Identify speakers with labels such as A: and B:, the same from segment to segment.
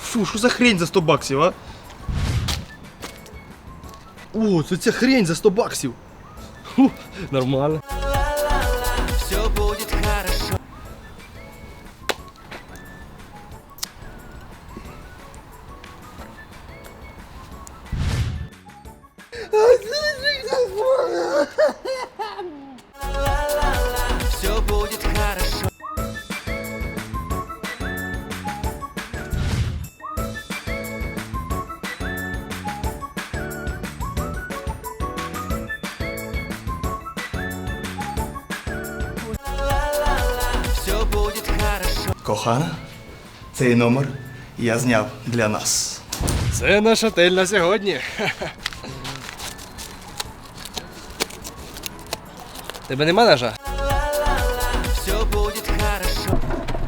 A: Фу, що за хрень за 100 баксів, а? О, це ця хрень за 100 баксів. Фу, нормально.
B: Все будет хорошо. Все будет хорошо. Все будет хорошо.
A: Кохана, цей номер я зняв для нас.
C: Це наш отель на сьогодні. Тебе нема ножа?
B: Все будет хорошо.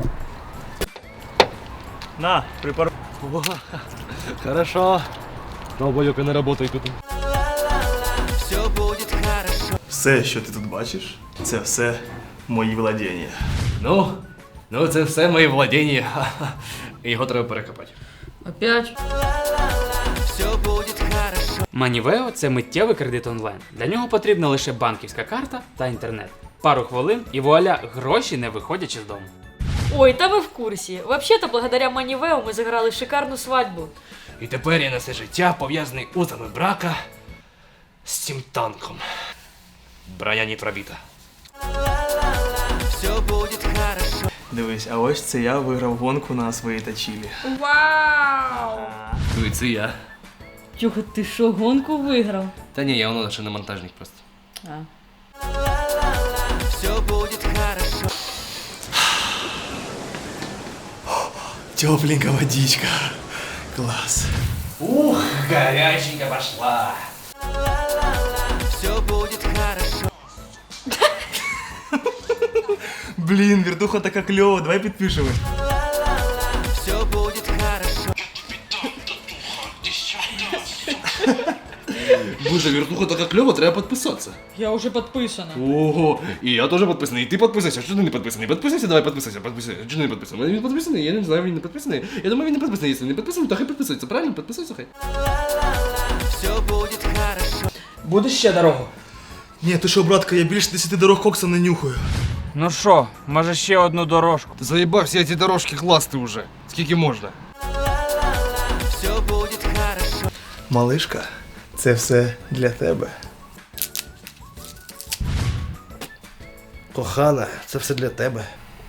A: На, припар...
C: Хорошо. Долбойока не работай тут.
B: Все будет хорошо.
A: Все, що ти тут бачиш, це все мої владіння.
C: Ну це все мої владіння. Його треба перекопати.
D: Опять?
B: Все будет хорошо.
E: Манівео – це миттєвий кредит онлайн. Для нього потрібна лише банківська карта та інтернет. Пару хвилин і вуаля, гроші не виходячи з дому.
D: Ой, та ви в курсі. Вообще-то, благодаря Манівео ми заграли шикарну свадьбу.
C: І тепер я на все життя пов'язаний узами брака з цим танком. Броня не пробита.
B: Все будет хорошо.
A: Дивись, а ось це я виграв гонку на своїй тачілі.
D: Вау!
C: Ну і це я.
D: Тюха, ти що, гонку виграв?
C: Та ні, я воно ще не монтажник просто.
D: А.
B: Все будет хорошо.
A: Тепленькая водичка. Класс.
C: Ух, горяченько пошла.
B: Все будет хорошо.
A: Блин, вертуха така клёва, давай підпишемось.
B: Все будет хорошо.
C: Боже, вертуха така кльова, треба підписатися.
D: Я вже підписана.
C: Ого, і я теж підписаний, і ти підписайся. Що ти не підписаний? Підписайся, давай підписайся, підписайся. Чого ти не підписаний? Він підписаний, я не знаю, він не підписаний. Я думаю, він не підписаний. Якщо не підписаний, то хай підписується, правильно? Підписуйся, хай.
B: Все будет хорошо.
E: Будеш ще дорогу?
A: Ні, ти що, братка, я більше 10 дорог кокса не нюхаю.
E: Ну що, може ще одну дорожку?
C: Ти заїбав всі ці дорожки класти вже. Скільки можна?
B: Все будет хорошо.
A: Малишка, це все для тебе. Кохана, це все для тебе.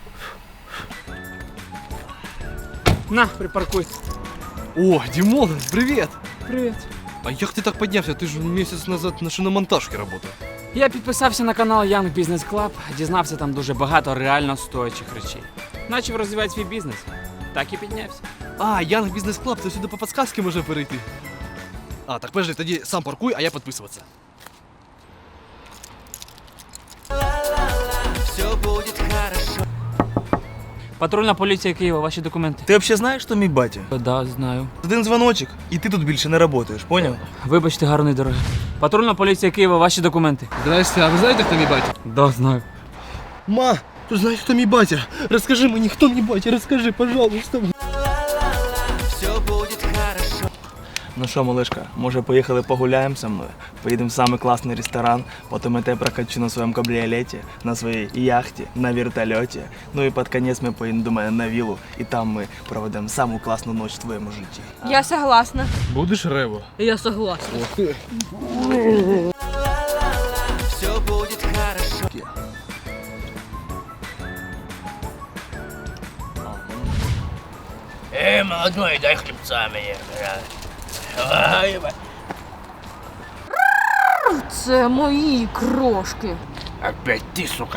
E: На, припаркуй.
C: О, Дімон, привіт!
E: Привіт.
C: А як ти так піднявся? Ти ж місяць назад на шиномонтажці працював.
E: Я підписався на канал Young Business Club, дізнався там дуже багато реально стоячих речей. Начав розвивати свій бізнес. Так і піднявся.
C: А, Young Business Club, то сюди по підсказці може перейти. А, так подожди, тоді сам паркуй, а я підписуватися.
B: Все будет хорошо.
E: Патрульна поліція Києва, ваші документи.
A: Ти взагалі знаєш, що мій батя?
E: Да, знаю.
A: Один дзвоночок, і ти тут більше не працюєш, поняв?
E: Вибачте, гарної дороги. Патрульна поліція Києва, ваші документи.
C: Здрасте, а ви знаєте, хто мій батя?
E: Да, знаю.
A: Ма, ти знаєш, хто мій батя? Розкажи мені, хто мій батя, розкажи, пожалуйста.
B: Все будет хорошо.
A: Ну що, малышка, може поїхали погуляємо со мною? Поїдемо в самий класний ресторан, потім я тебе прокачу на своєму кабріолеті, на своїй яхті, на вертольоті. Ну і під кінець ми поїдемо до мене на віллу, і там ми проведемо саму класну ніч в твоєму житті.
D: Я согласна.
C: Будеш рево?
D: Я согласна.
B: Все будет хорошо.
C: Молодой, дай хлебца мені.
D: Це мої крошки.
C: Опять ти, сука.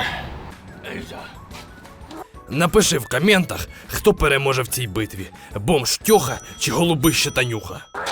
C: Напиши в коментах, хто переможе в цій битві. Бомж Тьоха чи голубище Танюха.